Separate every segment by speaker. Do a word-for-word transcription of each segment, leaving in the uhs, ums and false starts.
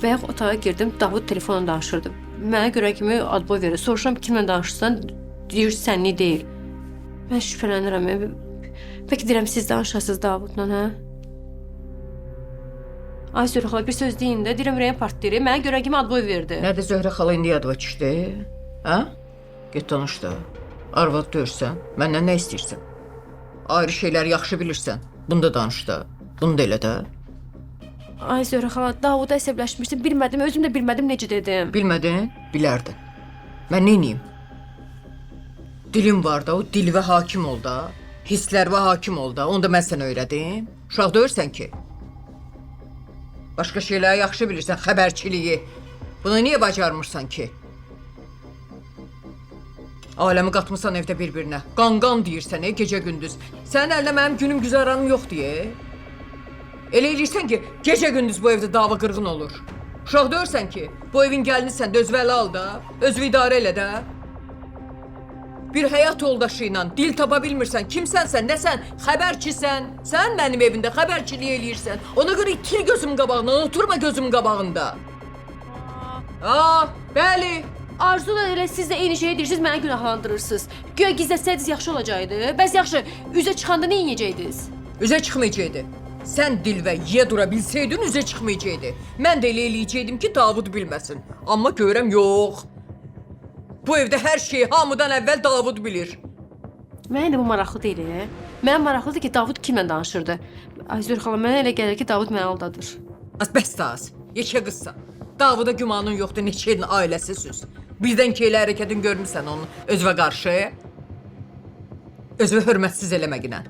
Speaker 1: Bayaq otağa girdim, Davud telefonla danışırdı. Mənə görə kimi adboy verir. Soruşuram kimlə danışırsan, deyir sənli deyil. Mən şübhələnirəm. Bəlkə deyirəm siz danışasınız Davudla, hə? Ay Zöhrə xala, bir söz deyin də, deyirəm ürəyim partlayır. Mənə görə kimi adboy verdi.
Speaker 2: Nədir Zöhrə xala indi yadıma düşdü? Hə? Get danış da. Arvad döyürsən, məndən nə istəyirsən? Ayrı şeylər yaxşı bilirsən. Bunu da danış da. Bunu da elə də.
Speaker 1: Ay Zöhrə xala, Davuda əsəbləşmişdim, bilmədim, özüm də bilmədim necə dedim.
Speaker 2: Bilmədin, bilərdin. Mən neyniyim? Dilim var da, o dilvə hakim ol da. Hisslərvə hakim ol da, onu da mən sənə öyrədim. Uşaq döyürsən ki. Başqa şeyləri yaxşı bilirsən, xəbərçiliyi. Bunu niyə bacarmırsan ki? Aləmi qatmısan evdə bir-birinə. Qan-qan deyirsən, ey, gecə-gündüz. Sənin əlində mənim günüm güzəranım yox deyə. Elə eləyirsən ki, gecə-gündüz bu evdə dava qırğın olur. Uşaq döyürsən ki, bu evin gəlinisən də özvəli al da, özvü idarə elə də. Bir həyat yoldaşı ilə dil tapa bilmirsən, kimsənsən, nəsən, xəbərçisən. Sən mənim evimdə xəbərçiliyi eləyirsən. Ona görə itil gözüm qabağında, oturma gözüm qabağında. Aa, bəli.
Speaker 1: Arzu da elə siz də eyni şeyi deyirsiniz, mənə günahlandırırsınız. Güya gizlətsəydiniz yaxşı olacaqdı. Bəs yaxşı, üzə çıxanda nə yiyəcəydiniz?
Speaker 2: Üzə çıxmayacaqdı. Sən dil və yiyə dura bilsəydin, üzə çıxmayacaqdı. Mən də elə eləyəcəkdim ki, Davud bilməsin. Amma görəm, yox. Bu evdə hər şeyi hamıdan əvvəl Davud bilir.
Speaker 1: Mənə də bu maraqlı deyil. Mənə maraqlıdır ki, Davud kimlə danışırdı. Ay Zöhrə xala, mənə elə gəlir ki, Davud məni aldadır.
Speaker 2: Az bəs də az. Yekə qızsan. Davuda gümanın yoxdur, neçə ilin ailəsi süz. Birdən ki, elə hərəkətin görmüsən onun özvə qarşı. Özvə hörmətsiz eləməginə.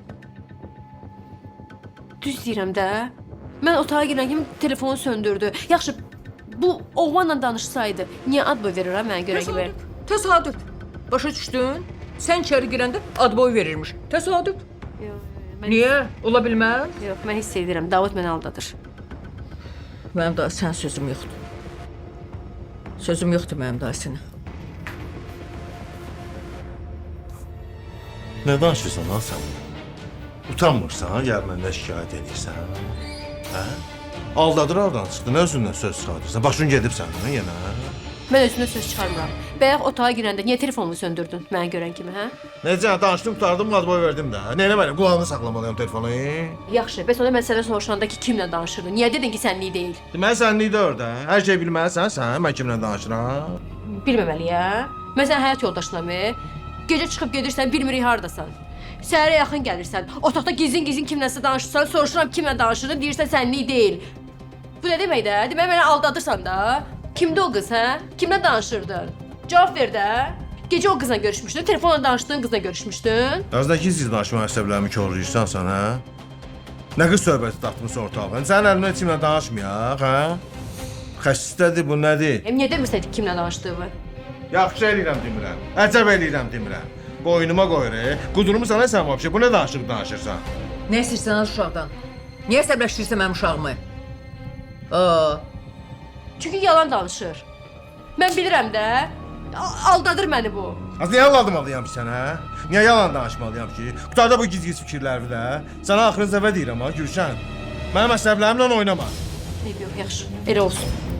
Speaker 1: Düz deyirəm də. Mən otağa girən kimi telefonu söndürdü. Yaxşı, bu oğlanla danışsaydı, niyə adboy verir ha mənə görə kimi?
Speaker 2: Təsadüf. Başa düşdün? Sən içəri girəndə adboy verirmiş. Təsadüf.
Speaker 1: Yox, mən...
Speaker 2: Niyə? Ola bilməz?
Speaker 1: Yox, mən hiss edirəm. Davud məni aldadır.
Speaker 2: Mənim daha sən sözüm yoxdur. Sözüm yoxdur mənim daha sənə.
Speaker 3: Nə danışırsan lan sən? Utanmırsan, gəl məndə şikayət edirsən. Hə? Aldadır aradan çıxdı, nə özündən söz çıxartırsan? Başın gedib səndən yenə.
Speaker 1: Mən özümdən söz çıxarmıram. Bayaq otağa girəndə niyə telefonumu söndürdün mənə görən kimi, hə?
Speaker 3: Necə, danışdım, qutardım, adboy verdim də. Nə eləməliyim, qulağını saxlamalıyım telefonu.
Speaker 1: Yaxşı, bəs onda mən sənə soruşanda ki, kimlə danışırdın? Niyə dedin ki, sənlik deyil?
Speaker 3: Deməli, sənlik də orada. Hər şey bilməlisən sən, mən kimlə danışıram.
Speaker 1: Bilməməliyəm. Mən sənin həyat yoldaşınamı? Gecə çıxıb gedirsən, bilmirik hardasan. Səhərə yaxın gəlirsən, otaqda gizlin-gizlin kimləsə danışırsan, soruşuram kimlə danışırdın, deyirsən sənlik deyil. Bu nə demək də? Demək məni aldadırsan da? Kimdə o qız, hə? Kimlə danışırdın? Cavab ver də. Gecə o qızla görüşmüşdün, telefonla danışdığın qızla görüşmüşdün.
Speaker 3: Yazdakı siz danışma əsəblərimi korlayırsan sən, hə? Nə qız söhbəti dartmısan ortalığa? Sənin əlimdən kimlə danışmayaq, hə? Xəstədir bu, nədir?
Speaker 1: Em, niyə demirsən kimlə danışdığımı?
Speaker 3: Yaxşı eləyirəm demirəm, əcəb eləyirəm demirəm. Boynuma qoyur, e? Qudurumu sana sən vəbşə, bu nə danışıq danışırsan?
Speaker 2: Nə istəyirsən az uşaqdan? Niyə əsəbləşdirirsən mənim uşağımı? Aa,
Speaker 1: Çünki yalan danışır. Mən bilirəm də. A- Aldadır məni bu.
Speaker 3: Az niyə aldamalıyam ki sənə? Niyə yalan danışmalıyam ki? Qutarda bu giz-giz fikirləri də. Sənə axırıncı dəfə deyirəm ha, Gülşən. Mənim əsəblərimlə oynama.
Speaker 1: Eyb yox, yaxşı. Elə olsun.